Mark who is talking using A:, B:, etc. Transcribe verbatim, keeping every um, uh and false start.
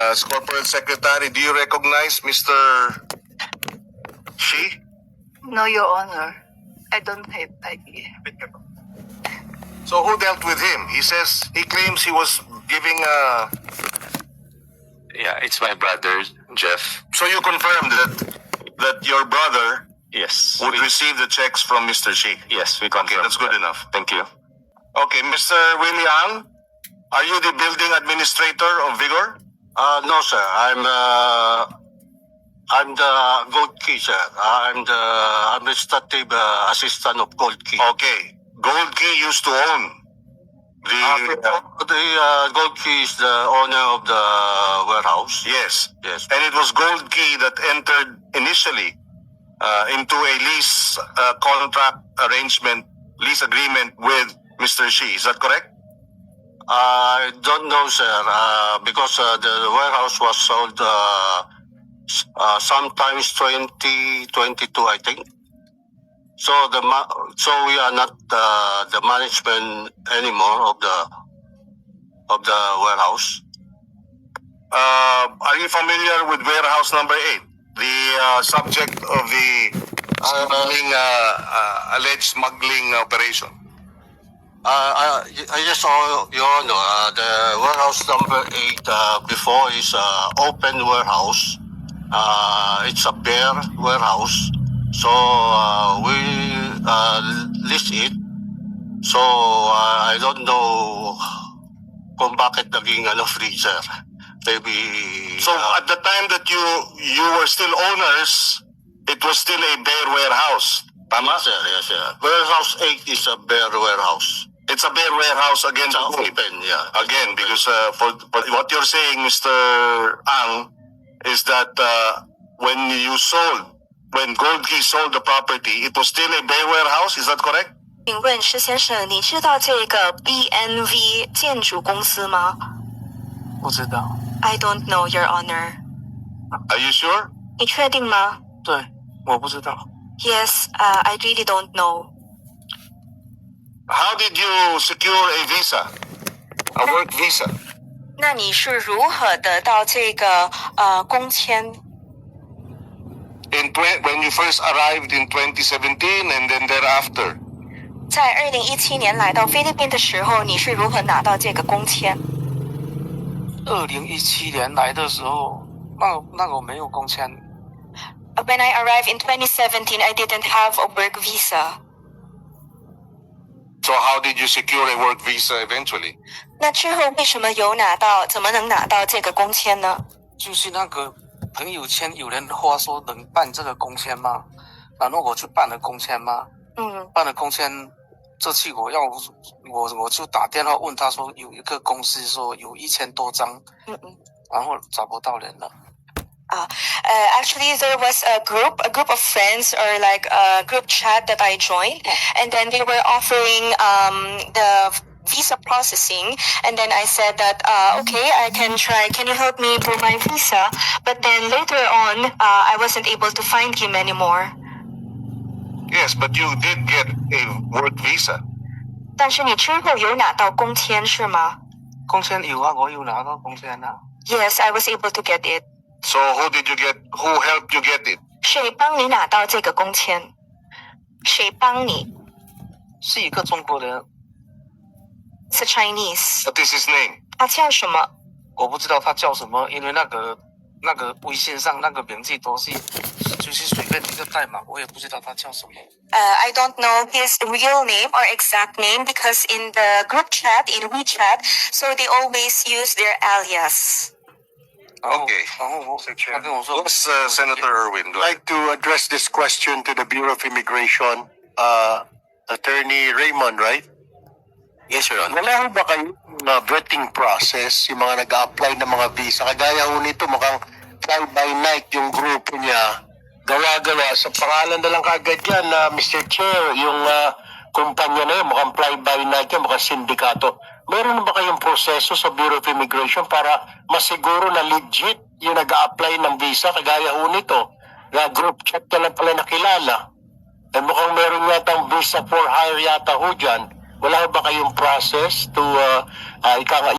A: As Corporate Secretary, do you recognize Mister Shi?
B: No, Your Honor. I don't have idea.
A: So who dealt with him? He says, he claims he was giving a...
C: Yeah, it's my brother, Jeff.
A: So you confirmed that that your brother
C: Yes.
A: would
C: we-
A: receive the checks from Mister Shi?
C: Yes, we
A: Okay,
C: confirm.
A: that's good
C: that.
A: enough.
C: Thank you.
A: Okay, Mister Willie Ang, are you the building administrator of Vigor?
D: Uh, no, sir. I'm uh, I'm the Gold Key, sir. I'm the administrative uh, assistant of Gold Key.
A: Okay, Gold Key used to own the...
D: Uh, the uh, Gold Key is the owner of the warehouse.
A: yes,
D: Yes.
A: and it was Gold Key that entered initially uh, into a lease uh, contract arrangement, lease agreement with Mister Shi. Is that correct?
D: I don't know, sir, uh, because uh, the warehouse was sold uh, s- uh, sometimes twenty twenty-two, I think. So the ma- so we are not uh, the management anymore of the of the warehouse.
A: Uh, are you familiar with warehouse number eight, the uh, subject of the smuggling, uh, uh, alleged smuggling operation?
D: Uh, I, I just saw, Your Honor, uh, the warehouse number eight uh, before is uh, open warehouse. Uh, it's a bare warehouse. So uh, we uh, list it. So uh, I don't know kung bakit naging ano, freezer. Maybe...
A: So
D: uh,
A: at the time that you you were still owners, it was still a bare warehouse. Tama?
D: yes, sir, yes, sir. Warehouse eight is a bare warehouse.
A: It's a bare warehouse again.
D: It's a
A: to whom?
D: open, yeah.
A: Again, because uh, for, for what you're saying, Mister Ang, is that uh, when you sold, when Gold Key sold the property, it was still a bare warehouse. Is that correct?
E: 请问施先生，你知道这个 B N V 建筑公司吗
B: 不知道。
E: ？I don't know, Your Honor.
A: Are you sure?
E: 你确定吗
B: 对，我不知道。
E: ？Yes, uh, I really don't know.
A: How did you secure a visa, a work visa?
E: 那你是如何得到这个呃工签？
A: In tw- when you first arrived in twenty seventeen and then thereafter?
E: 在二零一七年来到菲律宾的时候，你是如何拿到这个工签？
B: 二零一七年来的时候，那那个我没有工签。
E: When I arrived in twenty seventeen, I didn't have a work visa.
A: So how did you secure a work visa eventually?
E: 那之后为什么有拿到？怎么能拿到这个工签呢？
B: 就是那个朋友圈有人话说能办这个工签吗？然后我去办了工签吗？
E: 嗯，
B: 办了工签，这次我要我我就打电话问他说有一个公司说有一千多张，
E: 嗯嗯。
B: 然后找不到人了。
E: Uh, actually, there was a group, a group of friends, or like a group chat that I joined, and then they were offering um, the visa processing, and then I said that uh, okay, I can try. Can you help me for my visa? But then later on, uh, I wasn't able to find him anymore.
A: Yes, but you did get a work visa.
E: 但是你之后有拿到工签是吗
B: 工签有啊，我有拿到工签啊。
E: ？Yes, I was able to get it.
A: So who did you get? Who helped you get it?
E: 谁帮你拿到这个工签？谁帮你
B: 是一个中国人，
E: ？It's a Chinese.
A: What is his name?
E: 他叫什么？
B: 我不知道他叫什么，因为那个那个微信上那个名字都是就是随便一个代码，我也不知道他叫什么。
E: Uh, I don't know his real name or exact name because in the group chat, in WeChat, so they always use their alias.
B: 然后
A: Okay.
B: 然后我他跟我说，
A: Yes, uh, Senator Irwin. Go ahead.
F: I'd like to address this question to the Bureau of Immigration, uh, Attorney Raymond, right?
D: yes, Your Honor.
F: Wala ho ba kayong uh, vetting process, yung mga nag-a-apply ng mga visa? Kagaya ho nito, mukhang fly-by-night yung grupo niya. Gawa-gawa. Sa pangalan na lang kagad yan, uh, Mister Chair, yung uh, kumpanya na yun, mukhang fly-by-night yan, mukhang sindikato. Meron na ba kayong proseso sa Bureau of Immigration para masiguro na legit yung nag-a-apply ng visa? Kagaya ho nito, na group chat ka lang pala nakilala. Eh mukhang meron yatang visa for hire yata ho dyan. Wala ba kayong process to uh, uh, ika nga